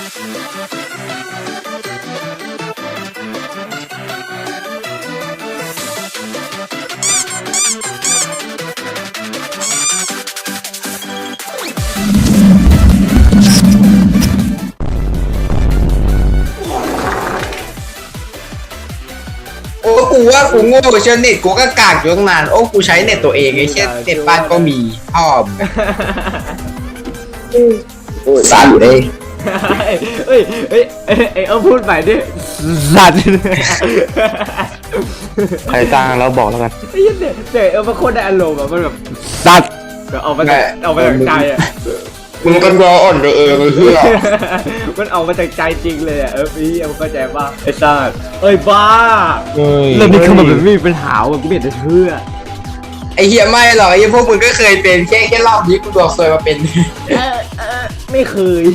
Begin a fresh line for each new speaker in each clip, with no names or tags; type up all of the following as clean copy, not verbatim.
โอ้กูว่ากูโง่เชื่อเน็ตกูก็กากอยู่ตั้งนานโอ้กูใช้เน็ตตัวเองไอ้เช่นเน็ตบ้านก็มีพ่อมโอ้ยตายอยู่ได้
เฮ้ยเอาพูดใหม่ดิสัตว์
ใครสร้างแล้วบอกแล้วกัน
ไอ้ยันเนี่ยมันโคตรได้อารมณ์อะมันแบบสัตว์เอามาจากใจอะ
มึงก็รออ่อนเลยเพื่อ
มันออกมาจากใจจริงเลยอะพี่มันเข้าใจป่ะไอ้สัตว์เอ้ยบ้า
เฮ้ย
เรื่องนี้คือมันแบบไม่มีปัญหาว่ะกูไม่เห็นจะเชื่อ
ไอ้เหี้ยไม่หรอกไอ้พวกมึงก็เคยเป็นแค่รอบนี้กูดวงซวยมาเป็น
ไม่เคย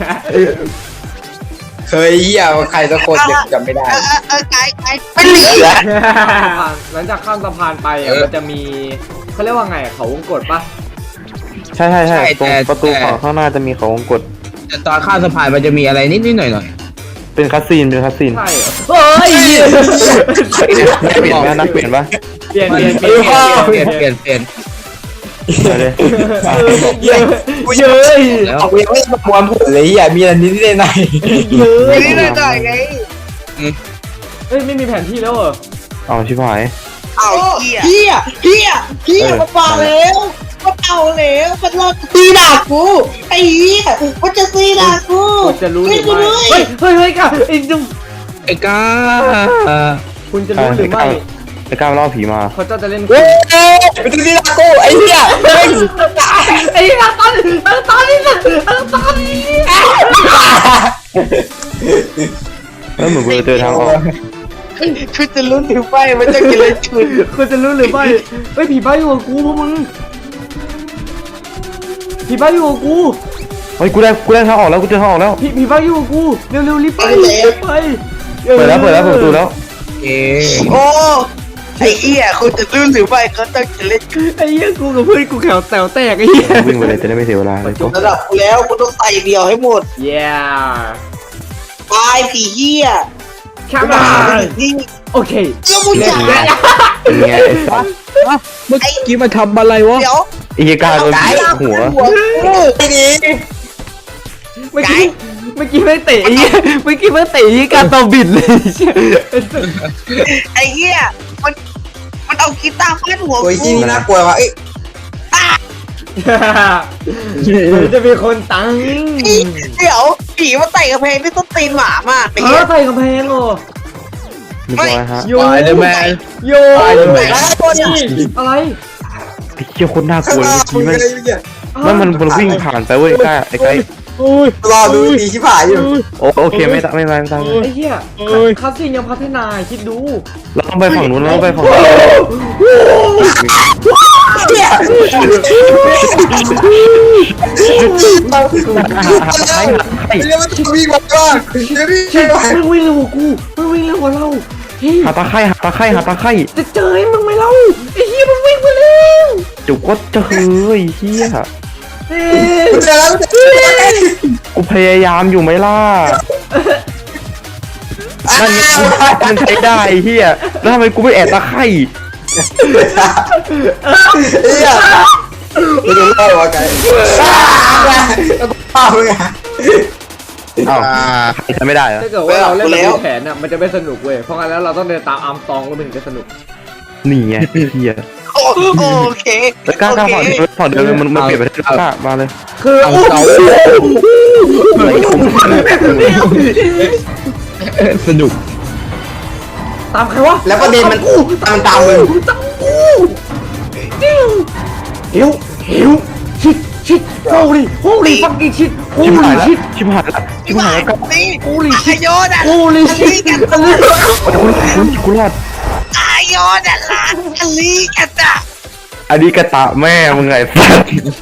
เคยเหี้ยใครสักคนเดี๋ยวจำไม่ได้
ไกไม่เหลือ
หลังจากข้ามสะพานไปอ่ะมันจะมีเขาเรียกว่าไงเขาวงกตป่ะ
ใช่ตรงประตูฝั่งข้างหน้าจะมีเขาวงกต
แต่ตอนข้ามสะพานมันจะมีอะไรนิดหน่อย
เป็นคัสซีน
ใช่เหรอเฮ้ย
เปลี่ยนไหมนักเปลี่ยนปะ
เปลี่ยน
เปลี่ยน
ไปเลย
เยอะ
เอากูยังไม่ประมวลผลเลยอ่ะมีอะไรนิดหน่อย
ไม่ได้หน่อยไง
เฮ้ยไม่มีแผนที่แล้วเหรอ
เอาชิบหาย
เอาเฮียมาเปล่าแล้วมาเปล่าแล้วมันรอตีด่ากูไอ้เฮียมันจะตีด่ากู
คุณจะรู้หรือไม่เฮ้ยกันไอ้จุ๊บ
ไอ้ก้า
คุณจะรู้หรือไม่
ไอ้ก้าวล่อผีมา
เขาจะเล่น
เฮ้ยไปดูนี่ละกูไอ้เหี้ย
ไอ้ตอนนี้
แล้วเหมือนกูจะเจอทางออก
คือจะลุ้นถึงไปมันจะกินอะไรชุน
คุณจะรู้หรือไม่เฮ้ยผีบ้าอยู่กับกูพวกมึงผีบ้าอยู่กับกู
เฮ้ยกูได้ทางออกแล้วกูเจอทางออกแล้ว
ผีบ้าอยู่กับกูเร็วรีบไป
เปิดแล้วเปิดประตูแล้ว
เอ๊ะ
โอ้ไอ้เฮียคุณจะลุ้นหรือไม่เขาต้องจะเล่น
ไอ้เหี้ยกูกับเพื่อนกูแขวแตวแตกไอ้เหี้ย
วิ่งไปเลยจะได้ไม่เสียเวลาเลยก็
ระดับกูแล้วกูต้องใส่เดียวให้หมด
yeah
ตายผีเฮีย
come on
นี่
โอเค
แล้วมึงจะ
เป็นไงไอ้สัส
เมื่อกี้มาทำอะไรวะ
เดี๋ยว
ไอ้เหี้ยก้าวโดนหัว
ไม่ดี
เมื่อกี้ไม่เตะไอ้เหี้ยเมื่อกี้ไม่เตะไอ้การตอบิดเลย
ไอ้เฮียมันเอากีตาร์ฟาดหัว
โอ้ยที่นี่น่ากลัวว่ะเอ้ย
จะมีคนตัง
เดี๋ยวผีมาใส่กระเพงที่ต้นตีนหมามากไอ้เฮีย
ใส่กำแพงเหรอ
มีตัวอะไรฮะ
โย
ตายเลยแม่
โย
ตายเลยแม่
อะไร
ไอ้เหี้ยคนน่ากลัวเลยเมื่อกี้แม่งมันวิ่งผ่านไปเว้ยก้าไอ้ไก่
รอดูดีชิบหายอยู่
โอเคไม่ตายไม่ตาย
ไอ้เหี้ยคาสินยังพัฒนาคิดดู
เราต้องไปฝั่งนู้นเราต้องไปฝั่งนู้น
เนี่ย
ใคร
เรียกว่าจะวิ่งมาก่อนเดี๋ยวนี่ใช่ไหม
มึงวิ่งเร็วกว่ากูมึงวิ่งเร็วกว่าเราเฮ้ย
หาตาไข่
จะเจอให้มึงไหมเล่าไอ้เหี้ยมันวิ่งไปแล้ว
จุกก็เจอเฮีย
เฮ้
กูเจอแล้ว
กูพยายามอยู่ไหมล่ะนั่นมันใช้ได้เฮียแล้วทำไมกูไม่แอบตาไข่
เฮียไม่ได้เล่าวะไก่แล้วกูฆ่ามึงอ่ะ
อ้าวใครทำไม่ได้เหรอ
ถ้าเกิดว่าเราเล่นแบบแผนอ่ะมันจะไม่สนุกเว้ยเพราะงั้นแล้วเราต้องเดินตามอาร์มสตรองแล้วมันถึงจะสนุก
นี่ไงเฮีย
โอเค
แล้วก้าฝั่งเดิมมันเปลี่ยนไปได้ก้ามาเลย
คือ
เอาเสาสนุก
ตามใครวะ
แล้วประเด็นมันตามมึง
ตามกูเฮ้วชิดโฮลี่ฟักกิ้งชิดโฮ
ชิบหาย
ลี่
แล้ว
ชิด
ชิบหายแล้วชิบหายแล้วก้า
นี่
โฮลี่ชิด
โยนอ่ะ
โฮลี่ชิด
กูรอด
โยนอ่ะลานอันนี้กันอ่ะ
อันนี้กระตะแม่มึงไงสัส